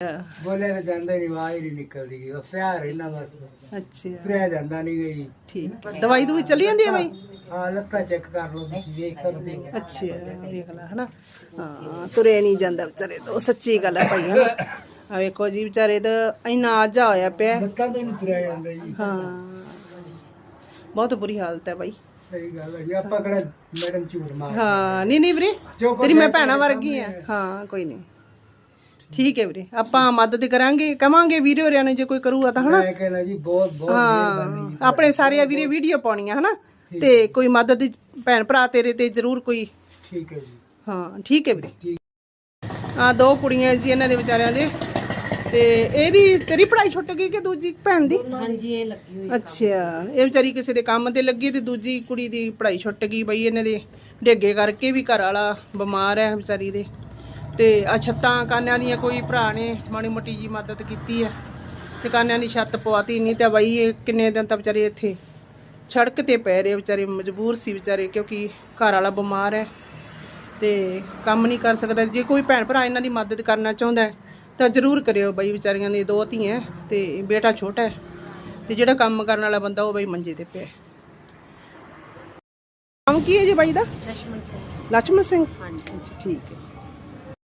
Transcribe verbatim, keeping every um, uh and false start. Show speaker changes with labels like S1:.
S1: ਬੋਲੇ ਨਾ ਜਾਂਦਾ ਨਹੀਂ, ਆਵਾਜ਼ ਨਹੀਂ ਨਿਕਲਦੀ ਗਈ, ਉਹ ਪਿਆਰ ਇਹਨਾਂ ਬਸ।
S2: ਅੱਛਾ
S1: ਤੁਰਿਆ ਜਾਂਦਾ ਨਹੀਂ ਗਈ।
S2: ਠੀਕ। ਦਵਾਈ ਦੂਈ ਚੱਲੀ ਜਾਂਦੀ ਹੈ ਬਾਈ?
S1: ਹਾਂ, ਲੱਤਾਂ ਚੈੱਕ ਕਰ ਲਓ, ਤੁਸੀਂ ਵੇਖ ਸਕਦੇ ਹੋ।
S2: ਅੱਛਾ ਵੇਖ ਲੈ ਹਨਾ। ਹਾਂ ਤੁਰੇ ਨਹੀਂ ਜਾਂਦਾ ਵਿਚਾਰੇ ਤੋਂ, ਸੱਚੀ ਗੱਲ ਹੈ ਭਾਈ ਹਨਾ। ਆ ਵੇਖੋ ਜੀ ਵਿਚਾਰੇ ਤਾਂ ਇੰਨਾ ਆਜਾ ਹੋਇਆ ਪਿਆ।
S1: ਲੱਤਾਂ ਤੇ ਨਹੀਂ ਤੁਰਿਆ ਜਾਂਦਾ ਜੀ।
S2: ਹਾਂ ਬਹੁਤ ਬੁਰੀ ਹਾਲਤ ਹੈ ਬਾਈ।
S1: ਸਹੀ ਗੱਲ ਹੈ ਜੀ। ਆਪਾਂ ਕਿਹੜਾ ਮੈਡਮ ਝੂਠ ਮਾਰ।
S2: ਹਾਂ ਨਹੀਂ ਨਹੀਂ ਵੀਰੇ, ਤੇਰੀ ਮੈਂ ਭੈਣਾਂ ਵਰਗੀ ਆ। ਹਾਂ ਕੋਈ ਨਹੀਂ, ਠੀਕ ਹੈ ਵੀਰੇ, ਆਪਾਂ ਮਦਦ ਕਰਾਂਗੇ, ਕਵਾਂਗੇ ਵੀਰੇ ਹੋਰਿਆਂ ਨੇ ਜੇ ਕੋਈ ਕਰੂਗਾ ਤਾਂ ਹਨਾ।
S1: ਮੈਂ ਕਹਿੰਦਾ ਜੀ ਬਹੁਤ ਬਹੁਤ ਮਿਹਰਬਾਨੀ ਜੀ।
S2: ਆਪਣੇ ਸਾਰੇ ਵੀਰੇ ਵੀਡੀਓ ਪਾਉਣੀਆਂ ਹਨਾ, ਤੇ ਕੋਈ ਮਦਦ ਭੈਣ ਭਰਾ ਤੇਰੇ ਤੇ ਜ਼ਰੂਰ ਕੋਈ।
S1: ਠੀਕ ਹੈ ਜੀ।
S2: ਹਾਂ ਠੀਕ ਹੈ ਵੀਰੇ। ਆ ਦੋ ਕੁੜੀਆਂ ਜੀ ਇਹਨਾਂ ਦੇ ਵਿਚਾਰਿਆਂ ਦੇ, ਤੇ ਇਹਦੀ ਤੇਰੀ ਪੜ੍ਹਾਈ ਛੁੱਟ ਗਈ ਕਿ ਦੂਜੀ ਭੈਣ ਦੀ?
S3: ਹਾਂਜੀ ਇਹ ਲੱਗੀ ਹੋਈ।
S2: ਅੱਛਾ ਇਹ ਵਿਚਾਰੀ ਕਿਸੇ ਦੇ ਕੰਮ ਤੇ ਲੱਗੀ ਤੇ ਦੂਜੀ ਕੁੜੀ ਦੀ ਪੜ੍ਹਾਈ ਛੁੱਟ ਗਈ ਬਈ, ਇਹਨਾਂ ਦੇ ਡੇਗੇ ਕਰਕੇ ਵੀ ਘਰ ਵਾਲਾ ਬਿਮਾਰ ਹੈ ਵਿਚਾਰੀ ਦੇ। ਤੇ ਆ ਛੱਤਾਂ ਕਾਨਿਆਂ ਦੀਆਂ ਕੋਈ ਭਰਾ ਨੇ ਮਾੜੀ ਮੋਟੀ ਜੀ ਮਦਦ ਕੀਤੀ ਹੈ ਤੇ ਕਾਨਿਆਂ ਦੀ ਛੱਤ ਪਵਾਤੀ, ਨਹੀਂ ਤਾਂ ਬਈ ਇਹ ਕਿੰਨੇ ਦਿਨ ਤਾਂ ਵਿਚਾਰੇ ਇੱਥੇ ਸੜਕ ਤੇ ਪੈ ਰਹੇ ਵਿਚਾਰੇ, ਮਜਬੂਰ ਸੀ ਵਿਚਾਰੇ ਕਿਉਂਕਿ ਘਰ ਵਾਲਾ ਬਿਮਾਰ ਹੈ ਤੇ ਕੰਮ ਨਹੀਂ ਕਰ ਸਕਦਾ। ਜੇ ਕੋਈ ਭੈਣ ਭਰਾ ਇਹਨਾਂ ਦੀ ਮਦਦ ਕਰਨਾ ਚਾਹੁੰਦਾ ਹੈ ਤਾਂ ਜ਼ਰੂਰ ਕਰਿਓ ਬਈ। ਵਿਚਾਰੀਆਂ ਦੇ ਦੋ ਧੀਆਂ ਤੇ ਬੇਟਾ ਛੋਟਾ ਹੈ, ਤੇ ਜਿਹੜਾ ਕੰਮ ਕਰਨ ਵਾਲਾ ਬੰਦਾ ਉਹ ਬਈ ਮੰਜੇ ਤੇ ਪਿਆ। ਨਾਮ ਕੀ ਹੈ ਜੀ ਬਾਈ ਦਾ?
S3: ਲక్ష్మణ ਸਿੰਘ।
S2: ਲక్ష్మణ ਸਿੰਘ।
S3: ਹਾਂਜੀ
S2: ਠੀਕ ਹੈ।